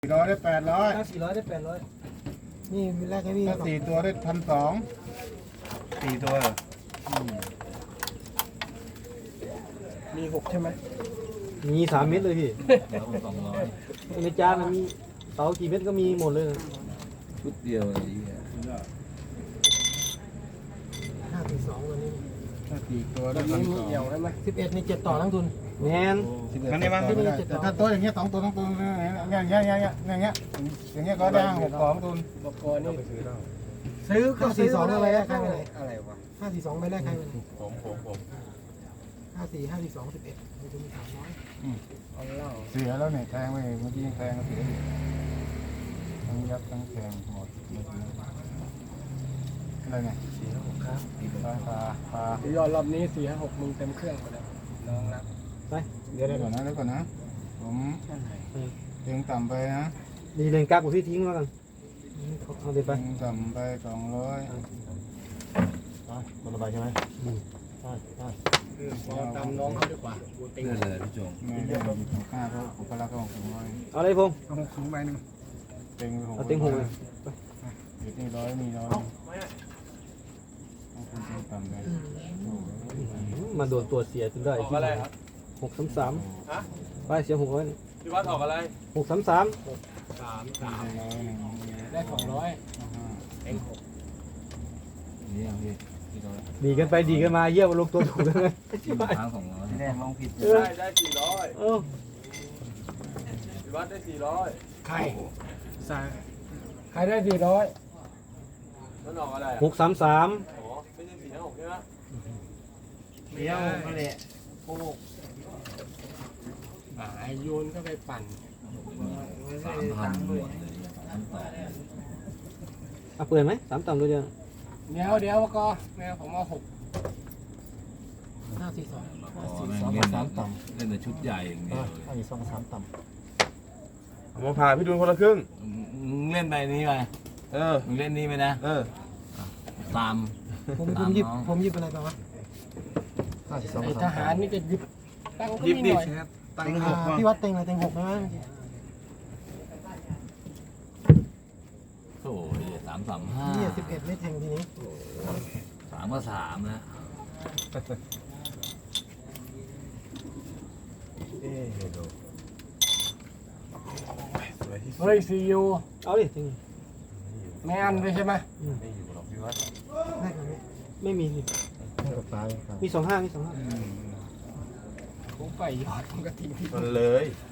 400ได้800 ถ้า400ได้800นี่มีแรกให้พี่ถ้า4ตัวได้1,200 4ตัวมี6ใช่ไหมมี3 เม็ดเลยพี่แล้ว200 ในจานมันมีเสากี่เม็ดก็มีหมดเลยนะชุดเดียวเลย 542วันนี้ถ้า4ตัวได้วันนี้มีเอี่ยวใช่ไหม11นี่7ต่อทั้งทุนแมน 1,200มันนี่มั้งแต่ถ้าตัวอย่างเงี้ย2ตัว2ตัวอย่างเงี้ยก็ได้6กล่องทุนบอกก่อนนี่ซื้อก็ซื้อ2ใบแรกใครไปไหนอะไรวะ 542ใบแรกใครไปไหนผม 54 542 11มันจะมี300เอาเล่าเสียแล้วเนี่ยแทงไปเมื่อกี้ยังแทงก็เสียอยู่ทั้งยับทั้งแทงหมดอะไรเนี่ย4 6ครับปลายอดรอบนี้4 5 6มึงเต็มเครื่องไปแล้วน้องรับไปเดี๋ยวก่อนนะผมเต็งต่ำไปนะดีเลนกักกับพี่ทิ้งแล้วกันเอาไปไปเต็งต่ำไป200คนละใบใช่ไหมพอตามน้องเขาดีกว่าเต็งเพื่อเลยพี่จงไม่ได้หยิบของข้าเขาผมก็รักเขาของ200 เอาอะไรพงษ์เอา6ใบหนึ่งเต็งเอาเต็งหกเลยเดี๋ยวเต็ง100มี100เอาคุณเต็งต่ำไปมาโดนตัวเสียจนได้ออกอะไรครับ 633 ฮะไปเสีย600นี่พี่วัดออกอะไร 633 ได้200เต็งนี่เอาพี่พี่โดนดีกันไปดีกันมาเยี่ยมลงตัวถูกกันเลยทาง200แดงลองผิดได้400 เออพี่วัดได้400 ใครใครได้400 มันออกอะไรอ่ะ 633 อ๋อไม่ใช่456ใช่ไหมเดี๋ยวนั่นแหละโอ้ไอโยนก็ไปปั่น 3,000หมดเลย3,000 อ่ะเปิดไหม3ต่ำตัวเดียวเดี๋ยวก็แม่ผมเอา6 542 เล่นแต่ชุดใหญ่อย่างเดียวเลยผมมาพาพี่ดูนคนละครึ่งมึงเล่นไปนี้ไป มึงเล่นนี้ไปนะตามผมหยิบอะไรไปวะไอทหารนี่จะหยิบตั้งก็ยิบมีดิหน่อยตั้ง6 พี่วัดเต็งอะไรเต็ง6ใช่ไหมโอ้ยนี่ 335 11ไม่แทงทีนี้ 3 ก็ 3นะเฮ้ยซียูเอาดิจริงไม่อันเลยใช่ไหมได้กันไหมไม่มีสิมี25มี25 ผมไปยอดผมก็ทิ้งที่มันเลย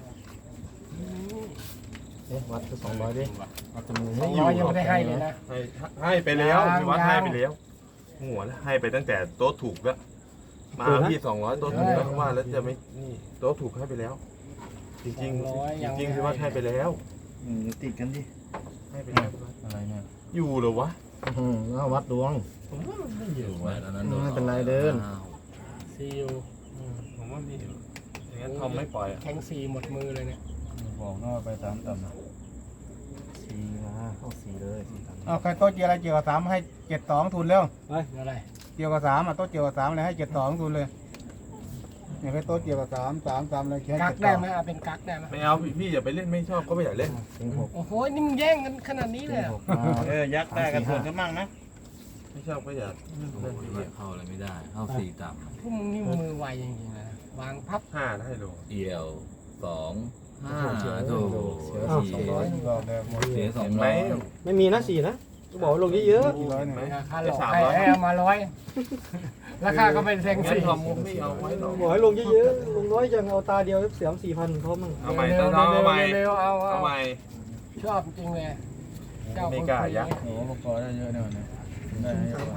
วัดคือ200ดิวัดจำนวน 200ยังไม่ได้ให้เลยนะให้ไปแล้วยังพี่วัดยังให้ไปแล้วหัวแล้วให้ไปตั้งแต่โต๊ะถูกแล้วมาพี่200โต๊ะถูกแล้วว่าแล้วจะไม่นี่โต๊ะถูกให้ไปแล้ว จริงๆจริงๆพี่วัดให้ไปแล้วติดกันดิให้ไปแล้วอะไรเนี่ยอยู่เหรอวะแล้ววัดดวงอยู่ไว้แล้วนั้นไม่เป็นไรเดินซียูผมว่ามีอยู่อย่างนั้นทอมไม่ปล่อยอ่ะแทงซีหมดมือเลยเนี่ยบอกนอกไป3ต่ำนะ4มาเข้า4เลยเอาใครโต๊ะเจียวอะไรเจียวกับ3ให้72ทุนเร็วอะไรเจียวกับ3โต๊ะเจียวกับ3เลยให้72ทุนเลยเนี่ยใครโต๊ะเจียวกับ3เลยแค่กักได้ไหมเอาเป็นกักได้ไหมไม่เอาพี่อย่าไปเล่นไม่ชอบก็ไม่อยากเล่นโอ้โหนี่มึงแย่งกันขนาดนี้เลยเหรอยักษ์ได้กันทุนกันมั่งนะไม่ชอบก็อยากโอ้ยเข้าอะไรไม่ได้เข้า4ต่ำพวกมึงนี่มือไวจริงๆนะวางพับ 5ได้โลเอี่ยว2 5โถบอกเลยหมดเสียเห็นไหม 200 ไม่มีนะ4นะก็บอกว่าลงเยอะกี่ร้อยหนึ่งค่าหลอกให้เอามา100ราคาก็เป็นแทงงั้นซีทอมไม่เอาไว้หรอกๆบอกให้ลงเยอะๆลงน้อยจังเอาตาเดียวเสียม4,000เขามั่งเอาใหม่ต้องเอาใหม่เร็วๆเอาเอาใหม่ชอบจริงเลยเจ้าไม่กล้ายักษ์โอ้โหพอได้เยอะเนี่ยนะได้เยอะ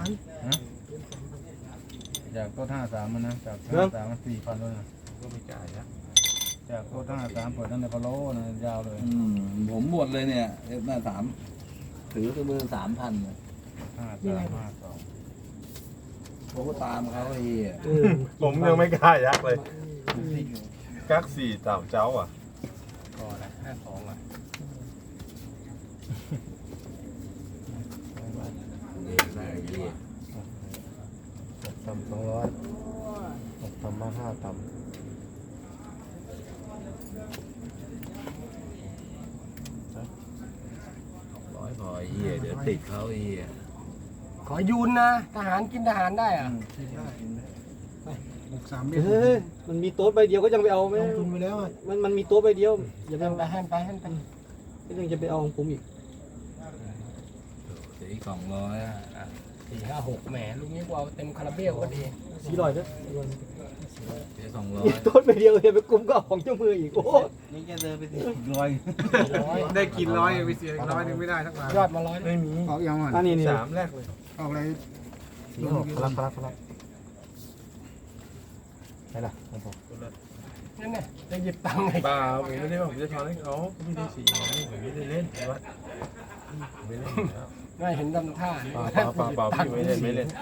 จากโต๊ะ53มันนะจาก53มัน4,000เลยนะก็ไม่กล้ายักษ์จากโต๊ะ53เปิดตั้งแต่พะโล้นะยาวเลยผมหมดเลยเนี่ยหน้า3ถือกับมือ 3,000 5352 ผมก็ตามเขาไอ้เหี้ยผมยังไม่กล้ายักษ์เลยกัก4ต่ำเจ้าอ่ะก่อนละ52อ่ะได้ไอ้เหี้ยต่ำ200ต่ำมา5ต่ำไอ้เหี้ยเดี๋ยวติดเขาไอ้เหี้ยขอยูนนะทหารกินทหารได้อะ 6-3 เฮ้ยมันมีโต๊ะใบเดียวก็ยังไปเอาไหมลงทุนไปแล้วอ่ะมันมีโต๊ะใบเดียวอย่าไปให้เอาไปให้ไปก็ยังจะไปเอาของผมอีกสี200อ่ะ 4-5-6แหมลูกนี้กูเอาเต็มคาราเบลก็ดี 400นะสีมี 200 โต๊ะใบเดียวอย่าไปกุมก็เอาของเจ้ามืออีกโอ้นี่แกเดินไป100 ได้กิน100ไปเสีย100นึงไม่ได้ทั้งบาทยอดมา100 ไม่มีออกยังอ่ะอันนี้นี่ 3แรกเลยออกอะไร 46พลังไหนล่ะผมบอกนั่นไงจะหยิบตังค์ไงเปล่าผมไม่ได้ว่าผมจะทอนให้เขาไม่ได้4ผมไม่ได้เล่นวัดไม่เล่นแล้วไม่เห็นทำท่าเปล่าพี่ไม่เล่นไม่เล่น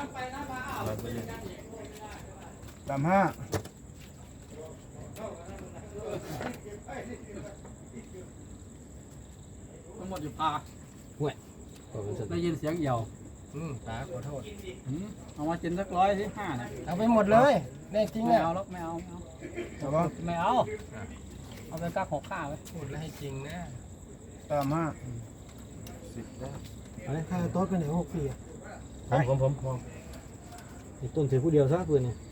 35 ทั้งหมดอยู่ปากได้ยินเสียงเหี่ยวตาขอโทษเอามากินสัก100สิ5เนี่ยเอาไปหมดเลยแน่จริงไม่อ่ะเอาแล้วไม่เอาแต่ว่าไม่เอาเอาไปกัก6 ข้าวไว้พูดแล้วให้จริงนะ 35 ค่าโต๊ะไปไหน6 ปีอ่ะผมไอ้ต้นถือผู้เดียวซะปืนเนี่ย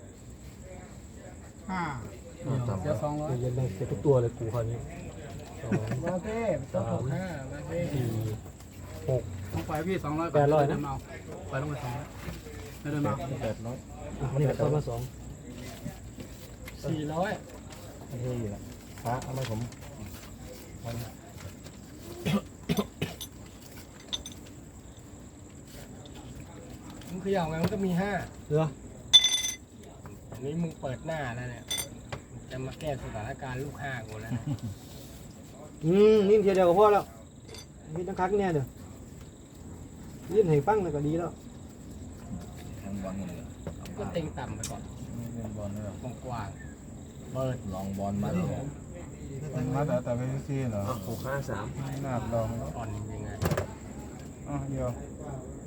5 เดี๋ยว200เย็นได้เก็บทุกตัวเลยกูคราวนี้มาเพ่ต้องถูกห้ามาเพ่ต้องไปพี่200 800นะไปลงไป200ไม่ได้มา 800 นี่ต้นมา2 400 ไม่ใช่อยู่ละพระอะไรผมมึงเขย่าไงมันก็มี5 เหรออันนี้มึงเปิดหน้าแล้วเนี่ยจะมาแก้สถานการณ์ลูก5กูแล้วนะนี่เทียเดียวก็พอแล้วมีตั้งคักเนี่ยเดี๋ยวยื่นให้ฟังแล้วก็ดีแล้วทั้งบอลหมดเลยก็เต็งต่ำไปก่อนนี่เป็นบอลเลยกว้างๆเปิดลองบอลมาเลยมันมาแต่ไปซีเหรอ 653 หน้าลองอ่อนยังไงเดียว